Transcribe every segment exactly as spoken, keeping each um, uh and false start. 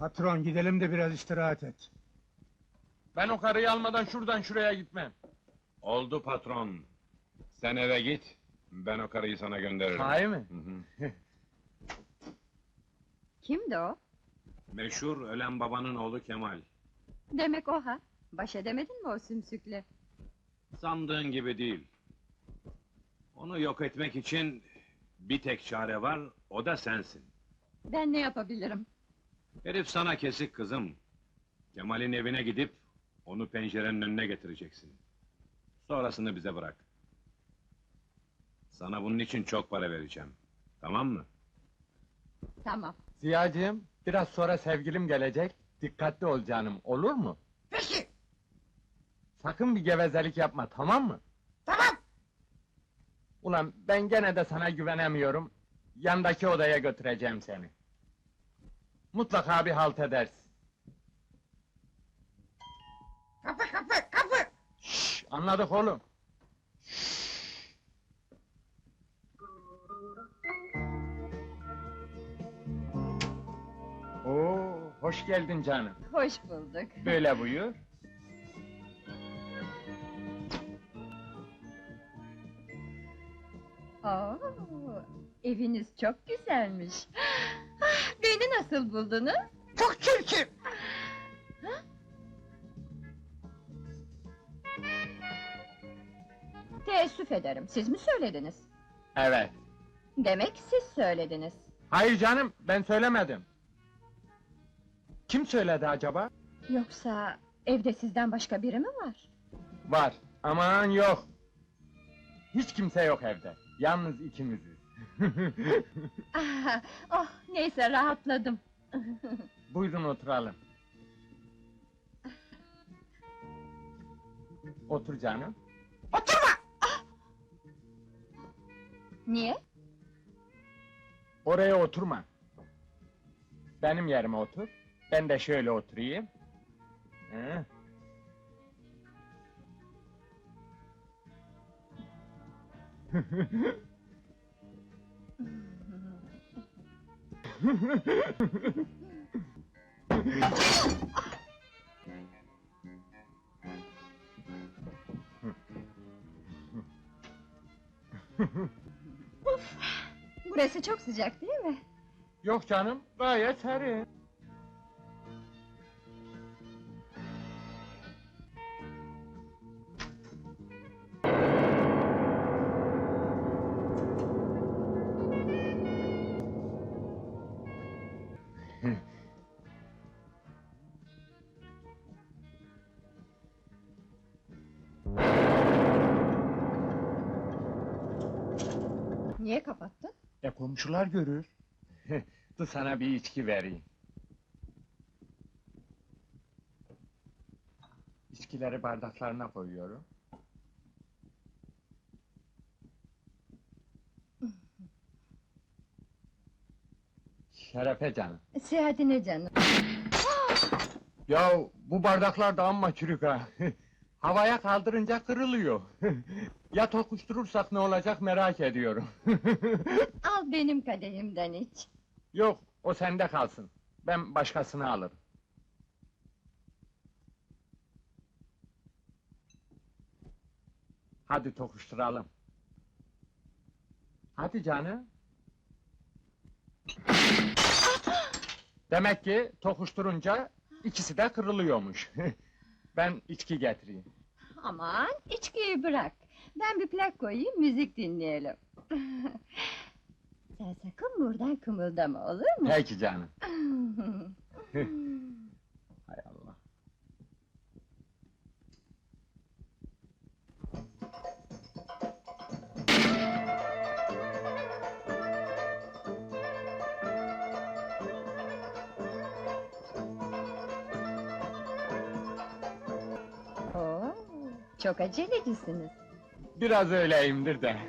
Patron, gidelim de biraz istirahat et. Ben o karıyı almadan şuradan şuraya gitmem. Oldu patron. Sen eve git, ben o karıyı sana gönderirim. Sahi mi? Hı hı. Kimdi o? Meşhur ölen babanın oğlu Kemal. Demek o ha? Baş edemedin mi o sümsükle? Sandığın gibi değil. Onu yok etmek için bir tek çare var, o da sensin. Ben ne yapabilirim? Herif sana kesik kızım. Kemal'in evine gidip onu pencerenin önüne getireceksin. Sonrasını bize bırak. Sana bunun için çok para vereceğim. Tamam mı? Tamam. Ziyacığım, biraz sonra sevgilim gelecek. Dikkatli ol canım, olur mu? Peki, Sakın bir gevezelik yapma, tamam mı? tamam! Ulan ben gene de sana güvenemiyorum. Yandaki odaya götüreceğim seni. Mutlaka bir halt edersin. Kapı, kapı, kapı! Şşş, anladık oğlum. Oo, hoş geldin canım. Hoş bulduk. Böyle buyur. Oo, eviniz çok güzelmiş. Ah, beni nasıl buldunuz? Çok çirkin! Teessüf ederim, siz mi söylediniz? Evet. Demek siz söylediniz. Hayır canım, ben söylemedim. Kim söyledi acaba? Yoksa evde sizden başka biri mi var? Var, aman yok. Hiç kimse yok evde. Yalnız ikimiziz. Ah, oh, neyse rahatladım. Buyurun oturalım. Otur canım. Oturma! Niye? Oraya oturma. Benim yerime otur. Ben de şöyle oturayım. Hı. Burası çok sıcak değil mi? Yok canım, gayet serin. Niye kapattın? E komşular görür. Dur sana bir içki vereyim. İçkileri bardaklarına koyuyorum. Şerefe canım. Seyahatine canım. Ya bu bardaklar da amma çürük ha. Havaya kaldırınca kırılıyor. Ya tokuşturursak ne olacak merak ediyorum. Al benim kadehimden iç. Yok, o sende kalsın. Ben başkasını alırım. Hadi tokuşturalım. Hadi canım. Demek ki tokuşturunca ikisi de kırılıyormuş. Ben içki getireyim. Aman, içkiyi bırak. Ben bir plak koyayım, müzik dinleyelim. Sen sakın buradan kımıldama, olur mu? Peki canım. Hay Allah. Oo, çok acelecisiniz. Biraz öyleyimdir de.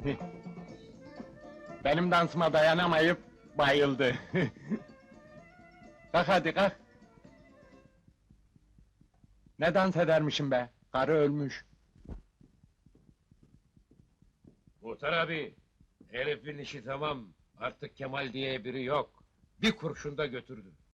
Benim dansıma dayanamayıp bayıldı. Kalk hadi kalk. Ne dans edermişim be? Karı ölmüş. Muhtar abi, herifin işi tamam. Artık Kemal diye biri yok. Bir kurşun da götürdü.